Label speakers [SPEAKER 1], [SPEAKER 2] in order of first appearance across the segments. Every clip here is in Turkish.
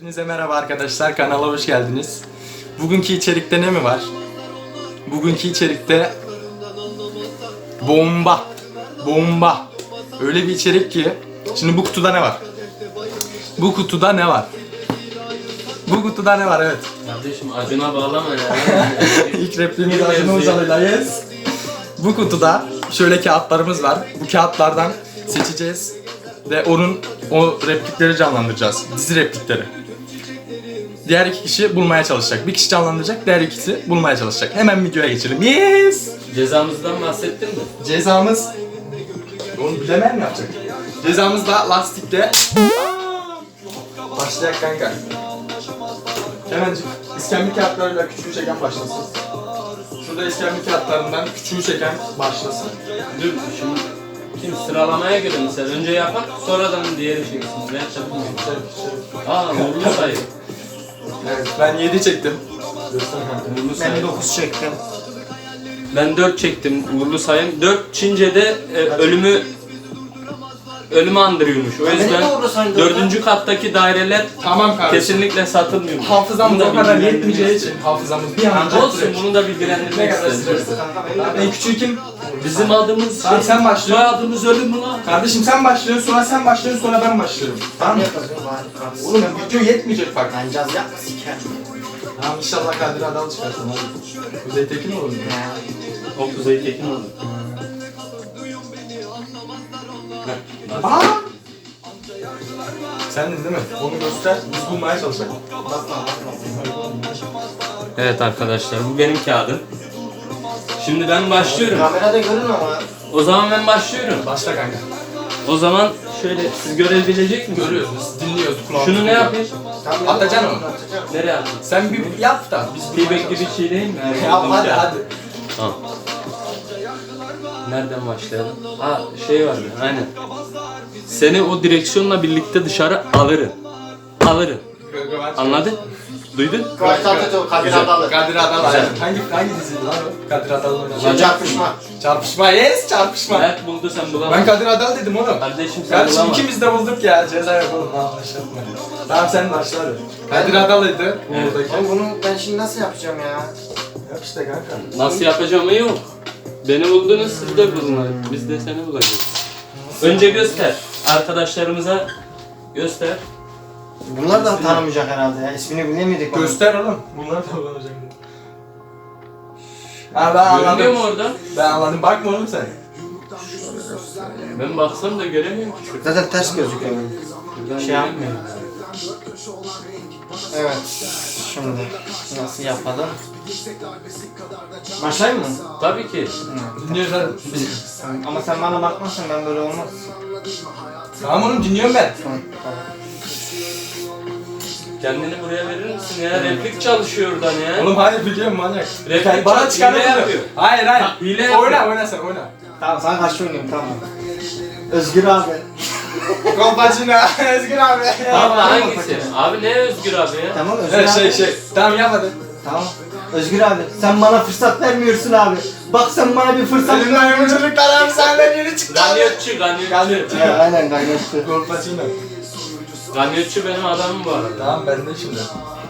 [SPEAKER 1] Hepinize merhaba arkadaşlar, kanala hoş geldiniz. Bugünkü içerikte ne mi var? Bugünkü içerikte bomba. Öyle bir içerik ki, şimdi bu kutuda ne var? Bu kutuda ne var? Bu kutuda ne var, evet.
[SPEAKER 2] Kardeşim acına bağlama ya.
[SPEAKER 1] İlk repliğimiz Acun Ilıcalı'yla, yes. Bu kutuda şöyle kağıtlarımız var. Bu kağıtlardan seçeceğiz ve o replikleri canlandıracağız. Dizi replikleri. Diğer iki kişi bulmaya çalışacak. Bir kişi canlandıracak, diğer ikisi bulmaya çalışacak. Hemen videoya geçelim. Yes!
[SPEAKER 2] Cezamızdan bahsettin mi?
[SPEAKER 1] Cezamız... Onu bilemeyen mi yapacak? Cezamız da lastikte... Başlayak kanka. Hemencik iskemle kağıtlarıyla küçüğü çeken başlasın. Şurada iskemle kağıtlarından küçüğü çeken başlasın.
[SPEAKER 2] Dur şimdi kim sıralamaya göre mesela önce yapar sonradan diğeri çeksin. Ben yapamıyorum. Uğurlu sayı.
[SPEAKER 1] Evet, ben 7 çektim. Göster kanka.
[SPEAKER 2] Uğurlu sayı.
[SPEAKER 3] Ben 9 çektim.
[SPEAKER 2] Ben 4 çektim uğurlu sayım. 4 Çince'de ölümü andırıyormuş. O
[SPEAKER 3] Ya
[SPEAKER 2] yüzden
[SPEAKER 3] beni de uğurlu sayın
[SPEAKER 2] 4. kattaki daireler
[SPEAKER 1] Tamam kardeşim.
[SPEAKER 2] kesinlikle satılmıyor.
[SPEAKER 1] Hafızamız
[SPEAKER 2] Bunu da
[SPEAKER 1] o kadar
[SPEAKER 2] bilgilendirmek
[SPEAKER 1] yetmeyeceği için
[SPEAKER 2] istedim.
[SPEAKER 1] hafızamız bir an önce
[SPEAKER 2] Olsun
[SPEAKER 1] süreç.
[SPEAKER 2] bunu da
[SPEAKER 1] Ne
[SPEAKER 2] bilgilendirmek
[SPEAKER 1] kadar
[SPEAKER 2] istedim.
[SPEAKER 1] süresi? En küçüğü kim?
[SPEAKER 2] Bizim adımız
[SPEAKER 1] Tamam, sen başlıyorsun.
[SPEAKER 2] Soyadımız ölüm lan.
[SPEAKER 1] Kardeşim sen başlıyorsun, sonra sen başlıyorsun, sonra ben başlıyorum. Tamam mı? Oğlum video yetmeyecek bak.
[SPEAKER 3] Ben caz yapma siker.
[SPEAKER 1] Tamam inşallah Kadir Adal çıkarsın hadi. Kuzey Tekin olur mu?
[SPEAKER 2] O Kuzey Tekin olur.
[SPEAKER 1] Aa! Sendin değil mi? Onu göster, biz bulmaya çalışalım.
[SPEAKER 2] Evet arkadaşlar bu benim kağıdım. Şimdi ben başlıyorum.
[SPEAKER 3] Kamerada görün ama.
[SPEAKER 2] O zaman ben başlıyorum.
[SPEAKER 1] Başla kanka.
[SPEAKER 2] O zaman şöyle siz görebilecek misiniz?
[SPEAKER 1] Görüyoruz, biz dinliyoruz kulağımız.
[SPEAKER 2] Şunu ne yapayım?
[SPEAKER 1] Atacaksın onu.
[SPEAKER 2] Nereye atayım?
[SPEAKER 1] Sen bir yap da biz
[SPEAKER 2] Feedback gibi bir şey değil mi?
[SPEAKER 1] Yap hadi hadi.
[SPEAKER 2] Tamam. Nereden başlayalım? Ha şey vardı aynen. Seni o direksiyonla birlikte dışarı alırım. Anladın? Duydun?
[SPEAKER 3] Kadir
[SPEAKER 2] Güzel.
[SPEAKER 3] Adalı.
[SPEAKER 1] Kadir Adal
[SPEAKER 2] Güzel.
[SPEAKER 1] hangi diziydi lan o? Kadir Adal'ın oynadığı.
[SPEAKER 3] Çarpışma.
[SPEAKER 1] Çarpışma, yes çarpışma.
[SPEAKER 2] Mert buldu sen
[SPEAKER 1] Ben
[SPEAKER 2] bulamadın.
[SPEAKER 1] Kadir Adal dedim oğlum.
[SPEAKER 2] Kardeşim sen
[SPEAKER 1] Kardeşim
[SPEAKER 2] bulamadın.
[SPEAKER 1] ikimiz de bulduk ya, ceza yapalım ha, başlatma. Tamam sen başla hadi. Kadir Adal'ıydı
[SPEAKER 2] Evet.
[SPEAKER 1] buradaki.
[SPEAKER 3] Oğlum bunu ben şimdi nasıl yapacağım ya?
[SPEAKER 1] Yap işte kanka.
[SPEAKER 2] Nasıl yapacağımı yok. Beni buldunuz siz de bulun. Biz de seni bulacağız. Önce göster. Arkadaşlarımıza göster.
[SPEAKER 3] Bunlar da tanımayacak herhalde ya. İsmini bilemedik.
[SPEAKER 1] Göster oğlum. Bunlar da kullanacak. Ha ben
[SPEAKER 2] Görünüyor mu
[SPEAKER 1] anladım.
[SPEAKER 2] orada?
[SPEAKER 1] Ben anladım. Bakma oğlum sen.
[SPEAKER 2] Ben baksam da göremiyorum ki.
[SPEAKER 3] Zaten ters gözüküyor.
[SPEAKER 2] Buradan
[SPEAKER 3] Şey
[SPEAKER 2] göremiyorum.
[SPEAKER 3] Evet. Şimdi nasıl yapalım? Başlayayım mı?
[SPEAKER 2] Tabii ki.
[SPEAKER 1] Dinliyoruz hadi.
[SPEAKER 3] Ama sen bana bakmazsan ben böyle olmaz.
[SPEAKER 1] Tamam oğlum dinliyorum ben.
[SPEAKER 3] Tamam.
[SPEAKER 2] Kendini buraya verir misin ya? Replik çalışıyor oradan ya.
[SPEAKER 1] Oğlum hayır biliyorum manyak.
[SPEAKER 2] Replik
[SPEAKER 1] Bana
[SPEAKER 2] hile
[SPEAKER 1] çıkarma
[SPEAKER 2] yapıyor.
[SPEAKER 1] Hayır hayır.
[SPEAKER 2] Ha, hile yapıyor.
[SPEAKER 1] Oyna sen oyna.
[SPEAKER 3] Tamam sana karşı oynayayım tamam. Özgür abi.
[SPEAKER 1] Kolpaçino. Özgür abi.
[SPEAKER 2] Abi hangisi? Abi ne Özgür abi ya?
[SPEAKER 3] Tamam Özgür
[SPEAKER 1] Evet
[SPEAKER 3] abi.
[SPEAKER 1] Tamam yap hadi.
[SPEAKER 3] Tamam. Özgür abi sen bana fırsat vermiyorsun abi. Bak sen bana bir fırsat ver.
[SPEAKER 1] Elimden yumuşacıklar abi senden yeni çıktı.
[SPEAKER 2] Ganyotçu.
[SPEAKER 3] Aynen kaynaştı.
[SPEAKER 1] Kolpaçino.
[SPEAKER 2] Ganyotçu benim adamım bu arada.
[SPEAKER 1] Tamam ben de şimdi.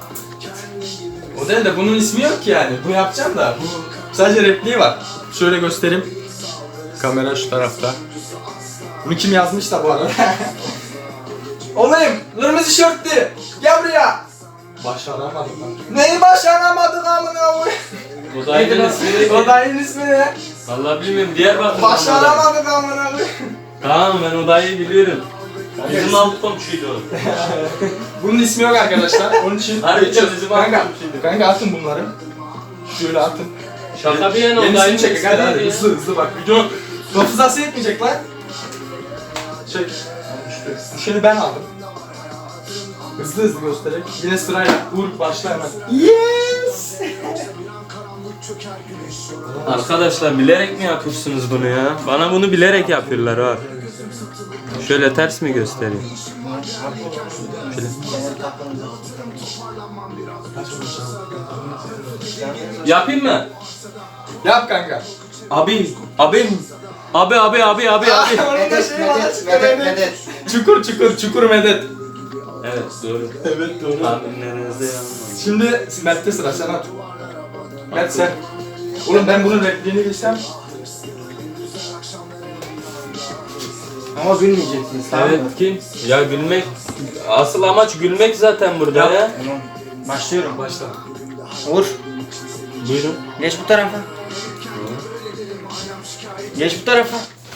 [SPEAKER 1] O değil de bunun ismi yok ki yani. Bu yapacağım da. Bu sadece repliği var. Şöyle göstereyim. Kamera şu tarafta. Bunu kim yazmış da bu arada? Olayım, kırmızı şortlu. Gel buraya. Başaramadım lan. Neyi başaramadık amına koyayım?
[SPEAKER 2] O da aynı ismi.
[SPEAKER 1] O da yeni ismi ne?
[SPEAKER 2] Vallahi bilmiyorum. Diyarbakır.
[SPEAKER 1] Başaramadık amına koyayım.
[SPEAKER 2] Tamam ben odayı biliyorum. Bizim alt komşuydu o.
[SPEAKER 1] Bunun ismi yok arkadaşlar. Onun için
[SPEAKER 2] Harbi
[SPEAKER 1] geçiyoruz.
[SPEAKER 2] bizim
[SPEAKER 1] Kanka,
[SPEAKER 2] arkadaşıydı.
[SPEAKER 1] kanka atın bunları. Şöyle atın.
[SPEAKER 2] Şaka bir yana odayı
[SPEAKER 1] Yenisini çek hadi hadi
[SPEAKER 2] ya.
[SPEAKER 1] hızlı bak video hafızası yetmeyecek lan. Çek. Düşeni ben aldım. Hızlı göstererek yine sırayla vur başla hemen. Yes!
[SPEAKER 2] Arkadaşlar bilerek mi yapıyorsunuz bunu ya? Bana bunu bilerek yapıyorlar ha. Şöyle ters mi göstereyim? Şöyle. Yapayım mı?
[SPEAKER 1] Yap kanka.
[SPEAKER 2] Abim. Abi.
[SPEAKER 1] Onun da
[SPEAKER 3] Medet,
[SPEAKER 1] şeyi var,
[SPEAKER 3] medet, medet, medet.
[SPEAKER 1] Çukur medet.
[SPEAKER 2] Evet doğru.
[SPEAKER 1] Evet doğru.
[SPEAKER 2] Tahminlerinizde yanılmadım.
[SPEAKER 1] Şimdi Mert'te sıra, sen at. Mert sen. Oğlum ben bunun repliğini bilsem.
[SPEAKER 3] Ama gülmeyeceksiniz, tamam mı?
[SPEAKER 2] Evet kim? Ya gülmek. Asıl amaç gülmek zaten burada
[SPEAKER 1] Yap.
[SPEAKER 2] ya.
[SPEAKER 3] Tamam. Başlıyorum.
[SPEAKER 1] Başla.
[SPEAKER 3] Uğur,
[SPEAKER 2] Buyurun.
[SPEAKER 3] geç bu tarafa. Geç bu tarafa.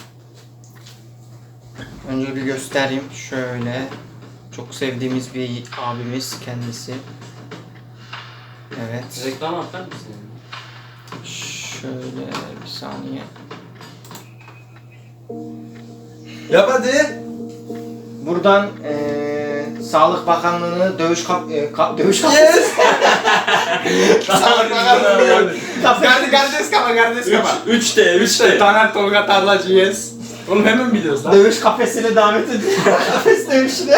[SPEAKER 3] Önce bir göstereyim. Şöyle. Çok sevdiğimiz bir abimiz kendisi. Evet.
[SPEAKER 2] Reklam atar mısın?
[SPEAKER 3] Şöyle bir saniye.
[SPEAKER 1] Yap hadi.
[SPEAKER 3] Buradan Sağlık Bakanlığı'nı dövüş dövüş
[SPEAKER 1] Yes! Kardeş kama.
[SPEAKER 2] 3'te
[SPEAKER 1] 3'te Taner Tolga Tarlacı yes. Oğlum hemen biliyoruz lan.
[SPEAKER 3] dövüş kafesine davet ediyor. Kafes dövüşüne.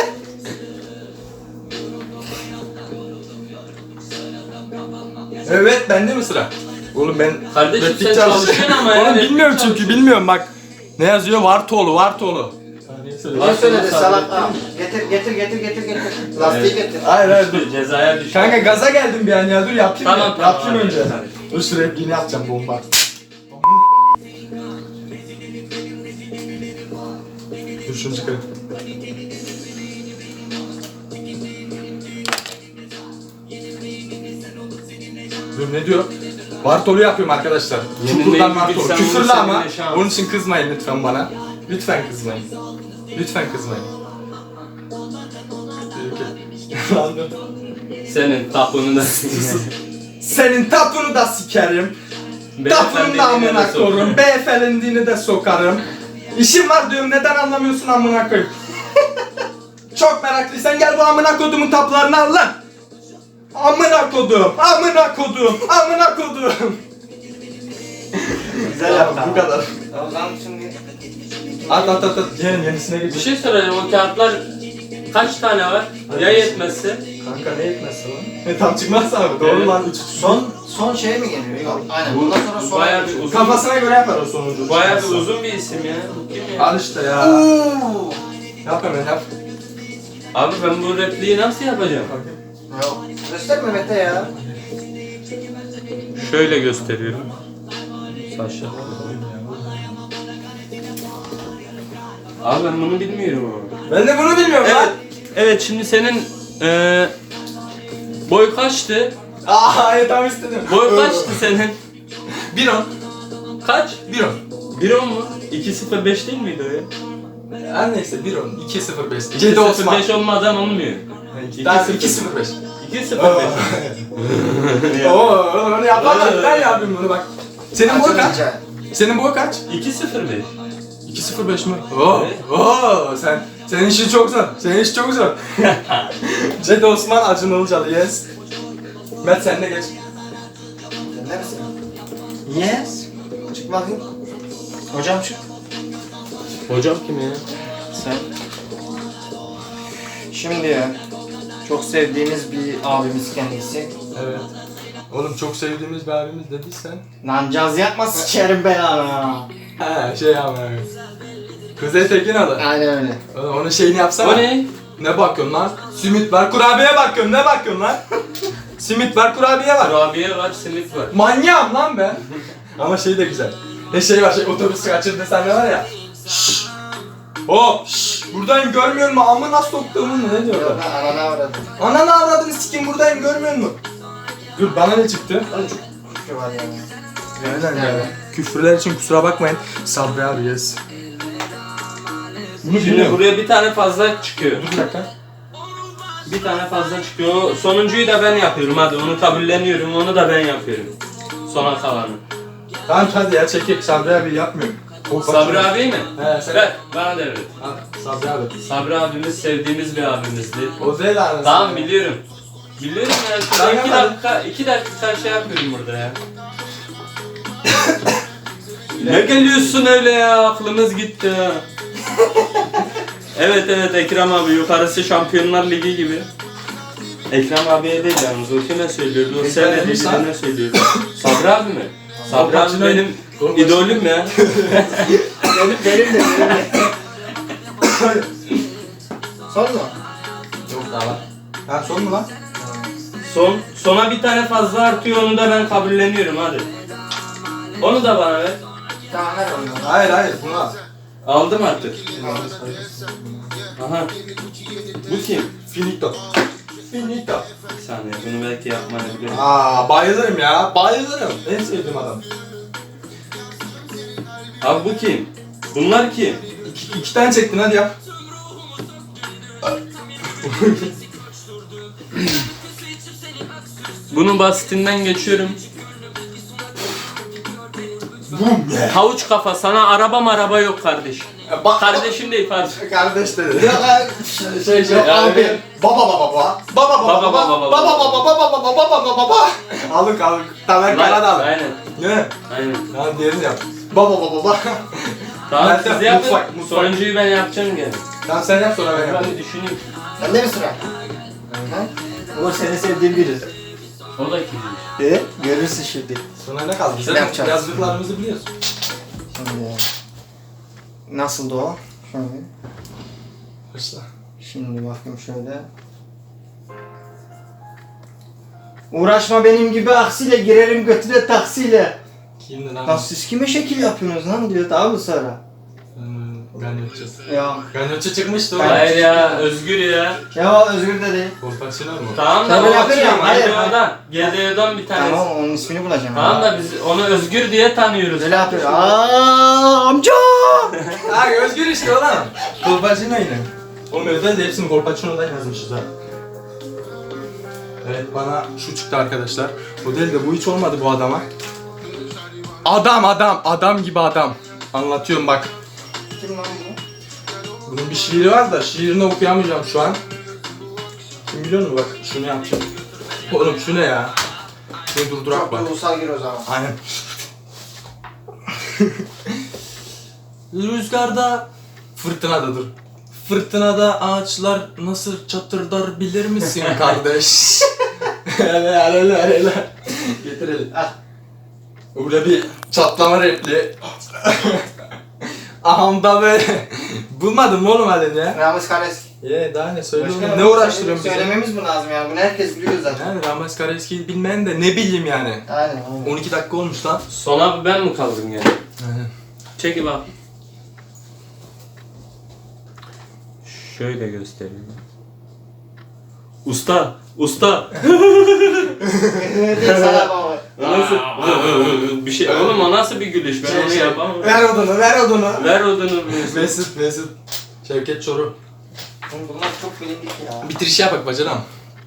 [SPEAKER 1] Evet bende mi sıra? Oğlum ben
[SPEAKER 2] Kardeşim
[SPEAKER 1] replik
[SPEAKER 2] sen
[SPEAKER 1] çalışıyorum.
[SPEAKER 2] çalışıyorsun ama ya,
[SPEAKER 1] Oğlum
[SPEAKER 2] replik
[SPEAKER 1] bilmiyorum çünkü
[SPEAKER 2] çalışıyorsun.
[SPEAKER 1] bilmiyorum bak. Ne yazıyor? Vartoğlu.
[SPEAKER 3] Ne söyledi salak? Aa, getir. Lastiği getir.
[SPEAKER 1] Hayır dur.
[SPEAKER 2] Cezaya düş.
[SPEAKER 1] Kanka gaza geldim bir an ya dur yapayım
[SPEAKER 2] Tamam,
[SPEAKER 1] ya.
[SPEAKER 2] tamam,
[SPEAKER 1] Yapayım
[SPEAKER 2] hadi,
[SPEAKER 1] önce.
[SPEAKER 2] hadi.
[SPEAKER 1] Dur şu repliğini yapacağım bomba. Dur şunu çıkarayım. Dur ne diyor? Vartolu yapıyorum arkadaşlar.
[SPEAKER 2] Yenilmeyi
[SPEAKER 1] Çukurdan Vartolu.
[SPEAKER 2] bilsen
[SPEAKER 1] Küfürlü
[SPEAKER 2] bunu
[SPEAKER 1] ama
[SPEAKER 2] seninle şans.
[SPEAKER 1] onun için kızmayın lütfen bana. Lütfen kızmayın. Lütfen kızmayın. Lan dur.
[SPEAKER 2] Senin tapını da
[SPEAKER 1] Senin tapını da sikerim. Tapının da amına
[SPEAKER 2] Beyefendi
[SPEAKER 1] koyarım. Beyefendini de sokarım. İşim var diyorum neden anlamıyorsun amına koyayım. Çok meraklıysan gel bu amına kodumun taplarını al lan. Amına kodum.
[SPEAKER 3] Güzel yaptın.
[SPEAKER 1] Bu kadar.
[SPEAKER 3] Tamam şimdi.
[SPEAKER 1] At. Yenisine
[SPEAKER 2] Bir
[SPEAKER 1] geç.
[SPEAKER 2] şey soracağım, o kağıtlar kaç tane var? Ya yetmezse?
[SPEAKER 1] Kanka ne etmezse lan? Tam çıkmaz abi. Doğru
[SPEAKER 2] Evet.
[SPEAKER 1] lan.
[SPEAKER 3] Son şey mi geliyor? Yok. Aynen. Bundan sonra son.
[SPEAKER 2] Bayağı bir uzun.
[SPEAKER 1] Kafasına göre yapar o sonucu.
[SPEAKER 2] Bayağı bir uzun bir isim ya. Bu kim ya?
[SPEAKER 1] Al işte ya.
[SPEAKER 3] Oo.
[SPEAKER 1] Yap hemen yap.
[SPEAKER 2] Abi ben bu repliği nasıl yapacağım?
[SPEAKER 3] Yok. Gösterme Mete ya.
[SPEAKER 2] Şöyle gösteriyorum. Saçlar. Abi ben bunu bilmiyorum abi.
[SPEAKER 1] Ben de bunu bilmiyorum lan.
[SPEAKER 2] Evet. Evet şimdi senin boy kaçtı?
[SPEAKER 1] Aa tam istedim.
[SPEAKER 2] Boy kaçtı senin?
[SPEAKER 1] 1-10.
[SPEAKER 2] Kaç?
[SPEAKER 1] 1-10.
[SPEAKER 2] 1.10 mu? 2.05 değil miydi o ya?
[SPEAKER 1] Her neyse 1-10. 2-0-5. Cedi Osman.
[SPEAKER 2] 2.05 olmadan olmuyor.
[SPEAKER 1] Daha
[SPEAKER 2] 2-0-5.
[SPEAKER 1] 2-0-5.
[SPEAKER 2] 2.05.
[SPEAKER 1] Oo, onu yapamam. Ben yapayım bunu bak. Senin boy kaç? Senin boy kaç?
[SPEAKER 2] 2.05.
[SPEAKER 1] 2-0-5 mi? Oo, oo, senin işin çok zor. Cedi Osman, Acun Ilıcalı, yes. Mert sen de geç.
[SPEAKER 3] Neresin? Yes. Çık bakayım. Hocam çık.
[SPEAKER 2] Hocam kim ya?
[SPEAKER 3] Sen. Şimdi ya. Çok sevdiğimiz bir abimiz kendisi.
[SPEAKER 1] Evet. Oğlum çok sevdiğimiz bir abimiz dediysen.
[SPEAKER 3] Lan caz yapma sikerim belanı.
[SPEAKER 1] He şey ama. Kuzey Tekinoğlu.
[SPEAKER 3] Aynen öyle.
[SPEAKER 1] Oğlum onun şeyini yapsana.
[SPEAKER 2] O ne?
[SPEAKER 1] Ne bakıyorsun lan? Simit var, kurabiye bakıyorum. Ne bakıyorsun lan? Simit var, kurabiye var.
[SPEAKER 2] Kurabiye var, simit var.
[SPEAKER 1] Manyağım lan ben. Ama şey de güzel. Şey var, otobüs kaçırdı sende var ya. Şşş. Buradayım görmüyor musun? Amına soktuğumun mu? Ne diyor
[SPEAKER 3] Yok
[SPEAKER 1] lan?
[SPEAKER 3] lan anana avradım.
[SPEAKER 1] Ananı avradını sikim buradayım görmüyor musun? Dur bana ne çıktı?
[SPEAKER 3] Oğlum çok küfür var ya.
[SPEAKER 1] Aynen ya. Küfürler için kusura bakmayın. Sabri abi yes. Bunu
[SPEAKER 2] Şimdi
[SPEAKER 1] bilmiyorum.
[SPEAKER 2] buraya bir tane fazla çıkıyor.
[SPEAKER 1] Dur bir dakika.
[SPEAKER 2] Bir tane fazla çıkıyor. Sonuncuyu da ben yapıyorum hadi. Onu kabulleniyorum. Onu da ben yapıyorum. Sona kalanı.
[SPEAKER 1] Tamam hadi ya çekek. Sabri abi yapmıyorum.
[SPEAKER 2] Sabri abi mi?
[SPEAKER 1] He sen.
[SPEAKER 2] Ver. Bana devret.
[SPEAKER 1] Ha, Sabri abi.
[SPEAKER 2] Sabri abimiz sevdiğimiz bir abimizdi.
[SPEAKER 1] O değil anasını.
[SPEAKER 2] Tamam biliyorum. Biliyorum ya.
[SPEAKER 1] Tamam,
[SPEAKER 2] Şurada 2 dakika şey yapıyorum burada ya. Ne geliyorsun öyle ya? Aklımız gitti ha. Evet Ekrem abi yukarısı Şampiyonlar Ligi gibi. Ekrem abiye değil yalnız o kime söylüyordu? O sevmediği birine söylüyordu. Sabri abi mi? Sabri abi benim idolüm ya.
[SPEAKER 3] Benim de. Son mu?
[SPEAKER 1] Yok Tamam. Ha son mu lan?
[SPEAKER 2] Sona bir tane fazla artıyor, onu da ben kabulleniyorum hadi. Onu da bana ver.
[SPEAKER 3] Tamam ver onu.
[SPEAKER 1] Hayır bunu al.
[SPEAKER 2] Aldım artık. Aha. Bu kim?
[SPEAKER 1] Finito. Finito.
[SPEAKER 2] Bir saniye, bunu belki yapmayabilirim.
[SPEAKER 1] Aa bayılırım ya. Bayılırım. En sevdiğim adam.
[SPEAKER 2] Abi bu kim? Bunlar kim?
[SPEAKER 1] İki tane çektin hadi yap.
[SPEAKER 2] Bunun basitinden geçiyorum.
[SPEAKER 1] Bum ye.
[SPEAKER 2] Havuç kafa, sana araba yok kardeş.
[SPEAKER 1] Bak.
[SPEAKER 2] Kardeşim değil pardon.
[SPEAKER 1] Kardeş dedi. Abi. Baba. Aldık. Tamer Karadağlı.
[SPEAKER 2] Aynen.
[SPEAKER 1] Ne?
[SPEAKER 2] Aynen.
[SPEAKER 1] Tamam diğerini yap. Baba.
[SPEAKER 2] Tamam
[SPEAKER 1] Meltem,
[SPEAKER 2] siz yapın.
[SPEAKER 1] mutfak.
[SPEAKER 2] Sonuncuyu ben yapacağım gene.
[SPEAKER 1] Tamam sen yap sonra ben
[SPEAKER 2] Ben
[SPEAKER 1] yapayım.
[SPEAKER 2] bir düşüneyim.
[SPEAKER 3] Bende mi sıra? O senin sevdiğin biri.
[SPEAKER 2] O da kimmiş?
[SPEAKER 3] Görürsün şimdi.
[SPEAKER 1] Sonra ne kaldı?
[SPEAKER 3] Ne yapacağız?
[SPEAKER 1] Yazdıklarımızı biliyorsun.
[SPEAKER 3] Şimdi nasıldı o? Şöyle.
[SPEAKER 1] Başla.
[SPEAKER 3] Şimdi bakayım şöyle. Uğraşma benim gibi aksiyle, girerim götüne taksiyle.
[SPEAKER 1] Kimdi lan?
[SPEAKER 3] Lan siz kime şekil yapıyorsunuz lan diyor daha sonra.
[SPEAKER 1] Ganyotçu.
[SPEAKER 3] Ya.
[SPEAKER 1] Ganyotçu çıkmıştı o.
[SPEAKER 2] Hayır ya, Özgür ya.
[SPEAKER 3] Ya Özgür de değil.
[SPEAKER 1] Kolpaçino mu?
[SPEAKER 2] Tamam da
[SPEAKER 3] Tabii
[SPEAKER 2] o
[SPEAKER 3] yapıyorum, hayır.
[SPEAKER 2] GDO'dan bir tanesi.
[SPEAKER 3] Tamam onun ismini bulacağım.
[SPEAKER 2] Tamam da biz onu Özgür diye tanıyoruz.
[SPEAKER 3] Böyle yapıyor. Aaa amca!
[SPEAKER 1] Ha Özgür işte o lan. Kolpaçino yine. Oğlum özel de hepsini Kolpaçino'dan yazmışız ha. Evet bana şu çıktı arkadaşlar. O değil de bu hiç olmadı bu adama. Adam gibi adam. Anlatıyorum bak.
[SPEAKER 3] Kim lan bu?
[SPEAKER 1] Bunun bir şiiri var da şiirini okuyamayacağım şu an. Kim biliyor musun bak şunu yapacağım. Oğlum şu ne ya? Şunu durdurak bak.
[SPEAKER 3] Çok ulusal gir o zaman.
[SPEAKER 1] Aynen. Rüzgarda, fırtınada dur. Fırtınada ağaçlar nasıl çatırdar bilir misin kardeş? Hele. Getir eli.
[SPEAKER 3] Ah.
[SPEAKER 1] Burada bir çatlama repli. Ahamda böyle. Bulmadın mı oğlum halini ya?
[SPEAKER 3] Ramiz Kareski.
[SPEAKER 1] Daha ne söylüyorum?
[SPEAKER 3] Başka
[SPEAKER 1] Ne uğraştırıyorum bizi?
[SPEAKER 3] Söylememiz mi lazım yani? Bunu herkes biliyor zaten.
[SPEAKER 1] Yani Ramiz Kareski'yi bilmeyen de ne bileyim yani.
[SPEAKER 3] Aynen.
[SPEAKER 1] 12 dakika olmuş lan.
[SPEAKER 2] Sona ben mi kaldım yani?
[SPEAKER 1] Aynen.
[SPEAKER 2] Çekil bak. Şöyle göstereyim. Usta.
[SPEAKER 3] Sana baba.
[SPEAKER 2] O nasıl? Bir şey. Oğlum o nasıl bir gülüş? Ben onu yapamam.
[SPEAKER 1] Ver odunu.
[SPEAKER 2] Ver odunu.
[SPEAKER 1] Mesut. Şevket Çoruh.
[SPEAKER 3] Oğlum bunlar çok bilindik ya.
[SPEAKER 1] Bitiriş yap bak bacanam.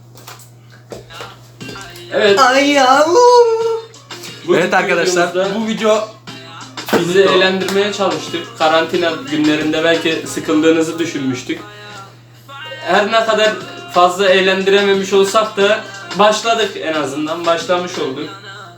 [SPEAKER 2] Evet.
[SPEAKER 1] Ay yavrum.
[SPEAKER 2] bugünkü
[SPEAKER 1] Evet arkadaşlar
[SPEAKER 2] videomuzda
[SPEAKER 1] bu video
[SPEAKER 2] sizi eğlendirmeye çalıştık. Karantina günlerinde belki sıkıldığınızı düşünmüştük. Her ne kadar fazla eğlendirememiş olsak da başladık en azından. Başlamış olduk.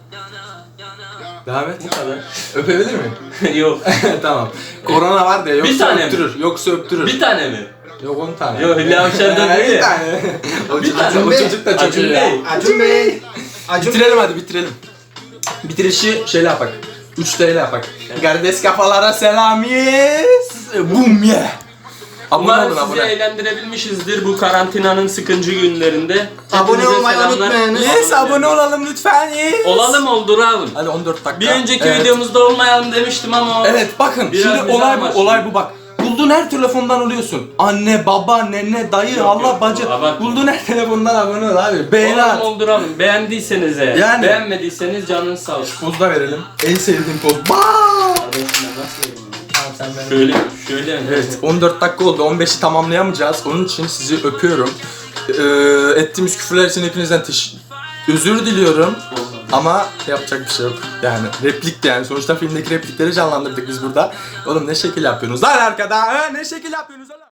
[SPEAKER 1] devam et.
[SPEAKER 2] Bu kadar.
[SPEAKER 1] Öpebilir miyim?
[SPEAKER 2] Yok.
[SPEAKER 1] Tamam. Korona var diye yoksa
[SPEAKER 2] Bir tane mi?
[SPEAKER 1] öptürür. Yoksa öptürür.
[SPEAKER 2] Bir tane mi?
[SPEAKER 1] Yok 10 tane.
[SPEAKER 2] Yok Hülya Avşar'da değil
[SPEAKER 1] Bir
[SPEAKER 2] ya.
[SPEAKER 1] tane. O
[SPEAKER 2] Bir
[SPEAKER 1] çocuk,
[SPEAKER 2] tane.
[SPEAKER 1] o çocuk da çok
[SPEAKER 2] Acun
[SPEAKER 1] iyi ya.
[SPEAKER 2] Bey.
[SPEAKER 3] Acun Bey. Acun
[SPEAKER 1] Bitirelim hadi bitirelim. Bitirişi şeyle yapak. 3 TL yapak. Kardeş kafalara selam yes. Bum ye. Abone
[SPEAKER 2] Umarım
[SPEAKER 1] olun
[SPEAKER 2] sizi
[SPEAKER 1] abone.
[SPEAKER 2] eğlendirebilmişizdir bu karantinanın sıkıcı günlerinde.
[SPEAKER 3] Abone
[SPEAKER 2] Hepinize
[SPEAKER 3] olmayı
[SPEAKER 2] selamlar.
[SPEAKER 3] unutmayınız.
[SPEAKER 1] Yes abone olalım lütfen yes.
[SPEAKER 2] Olalım olduralım.
[SPEAKER 1] Hadi 14 dakika.
[SPEAKER 2] Bir önceki
[SPEAKER 1] Evet.
[SPEAKER 2] videomuzda olmayalım demiştim ama
[SPEAKER 1] Evet bakın
[SPEAKER 2] Biraz
[SPEAKER 1] şimdi
[SPEAKER 2] bize
[SPEAKER 1] olay bu
[SPEAKER 2] amaçlı.
[SPEAKER 1] olay bu bak. Bulduğun her telefondan oluyorsun. Anne, baba, nene, dayı,
[SPEAKER 2] Yok,
[SPEAKER 1] Allah,
[SPEAKER 2] yok,
[SPEAKER 1] bacı.
[SPEAKER 2] abartma.
[SPEAKER 1] Bulduğun her telefondan abone ol abi. Beğeni
[SPEAKER 2] olalım
[SPEAKER 1] at.
[SPEAKER 2] olduralım. Beğendiyseniz eğer.
[SPEAKER 1] Yani.
[SPEAKER 2] Beğenmediyseniz canınız sağ olsun.
[SPEAKER 1] Poz da verelim. En sevdiğim poz. Baaaaaa.
[SPEAKER 2] Kardeşim ben nasıl vereyim?
[SPEAKER 1] Tamam sen benim.
[SPEAKER 2] Şöyle mi?
[SPEAKER 1] Evet 14 dakika oldu. 15'i tamamlayamayacağız. Onun için sizi öpüyorum. Ettiğimiz küfürler için hepinizden özür diliyorum. Ama yapacak bir şey yok. Yani replik de yani. Sonuçta filmdeki replikleri canlandırdık biz burada. Oğlum ne şekil yapıyorsunuz lan arkada? Ne şekil yapıyorsunuz oğlum?